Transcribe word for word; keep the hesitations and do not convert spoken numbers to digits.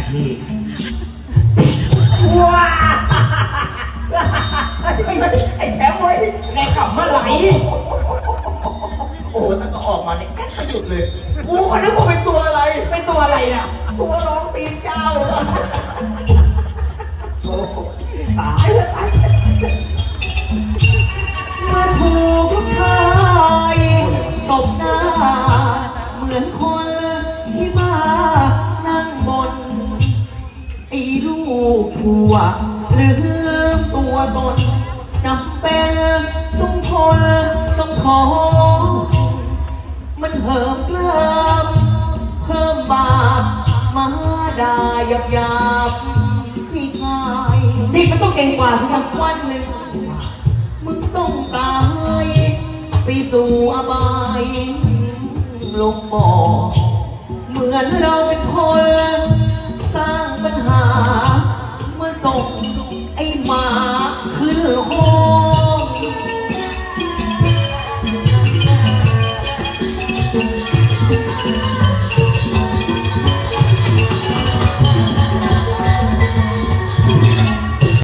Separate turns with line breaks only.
พี่ว้าไอ้แชมป์เว้ยไงขำมาไหลโอ้โหตั้งแต่ออกมาเนี่ยแก๊กไม่หยุดเลยกูก็นึกว่าเป็นตัวอะไรเป็นตัวอะไรน่ะตัวร้องตีนเจ้าโอ้ตายแล้วตาย
เมื่อถูกลูกชายตบหน้าเหมือนคนที่มานั่งบนไอ้ลูกชั่วลืมตัวตนจำเป็นต้องทนต้องขอมันเหิมกล้ามเพิ่มบาปมาด่าหยาบหยาบที่คลายสิมันต้องเก่งกว่าที่สักวันหนึ่งมึงต้องตายไปสู่อบายลงบ่อเหมือนเราเป็นคนสร้างปัญหาเมื่อส่งไอ้หมาขึ้นห้อง